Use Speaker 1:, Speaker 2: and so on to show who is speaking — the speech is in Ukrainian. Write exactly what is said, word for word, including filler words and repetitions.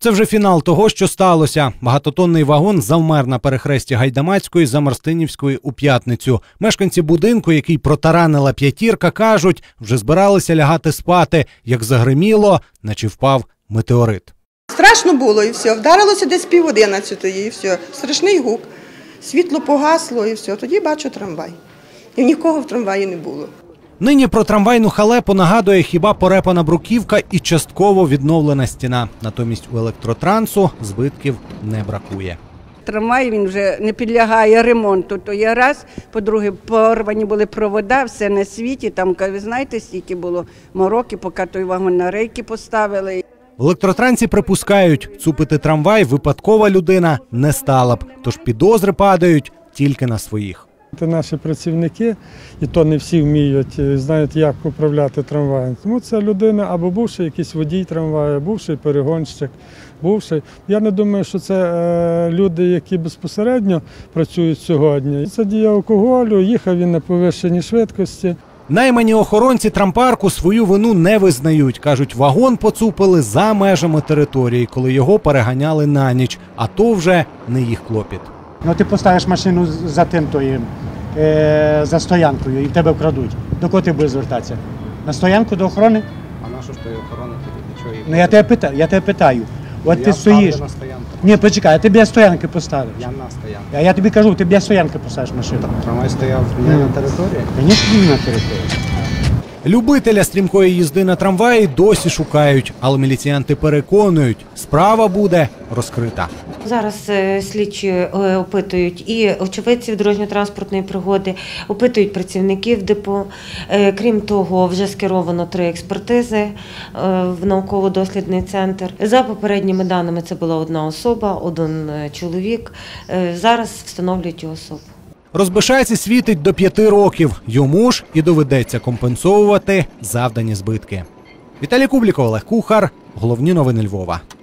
Speaker 1: Це вже фінал того, що сталося. Багатотонний вагон завмер на перехресті Гайдамацької за Марстинівської у п'ятницю. Мешканці будинку, який протаранила п'ятірка, кажуть, вже збиралися лягати спати, як загриміло, наче впав метеорит.
Speaker 2: Страшно було і все. Вдарилося десь пів одинадцятої і все. Страшний гук. Світло погасло і все. Тоді бачу трамвай. І нікого в трамваї не було.
Speaker 1: Нині про трамвайну халепу нагадує хіба порепана бруківка і частково відновлена стіна. Натомість у електротрансу збитків не бракує.
Speaker 3: Трамвай він вже не підлягає ремонту, то є раз. По-друге, порвані були провода, все на світі. Там, ви знаєте, стільки було мороки, поки той вагон на рейки поставили.
Speaker 1: В електротрансі припускають, цупити трамвай випадкова людина не стала б. Тож підозри падають тільки на своїх.
Speaker 4: Це наші працівники, і то не всі вміють, знають, як управляти трамваєм. Тому це людина або бувший якийсь водій трамваю, бувший перегонщик, бувший. Я не думаю, що це е, люди, які безпосередньо працюють сьогодні. Це дія алкоголю, їхав він на повищеній швидкості.
Speaker 1: Наймані охоронці трампарку свою вину не визнають. Кажуть, вагон поцупили за межами території, коли його переганяли на ніч. А то вже не їх клопіт.
Speaker 5: Ну, ти поставиш машину за тим тою, е, за стоянкою і в тебе вкрадуть. До кого ти будеш звертатися? На стоянку до охорони?
Speaker 6: А на що ж тої охорони тоді? Нічого їх?
Speaker 5: Ну я тебе питаю, я тебе питаю. От
Speaker 6: я
Speaker 5: ти стоїш.
Speaker 6: на стоянку.
Speaker 5: Ні, почекай, я тобі стоянки поставиш.
Speaker 6: Я на стоянку.
Speaker 5: А я тобі кажу, ти біля стоянки поставиш машину.
Speaker 6: Трамвай стояв не на території?
Speaker 5: Звісно, не на території.
Speaker 1: Любителя стрімкої їзди на трамваї досі шукають, але міліціянти переконують, справа буде розкрита.
Speaker 7: Зараз слідчі опитують і очевидців дорожньо-транспортної пригоди, опитують працівників депо. Крім того, вже скеровано три експертизи в науково-дослідний центр. За попередніми даними, це була одна особа, один чоловік. Зараз встановлюють його особу.
Speaker 1: Розбишайці світить до п'яти років. Йому ж і доведеться компенсовувати завдані збитки. Віталій Кубліков, Олег Кухар. Головні новини Львова.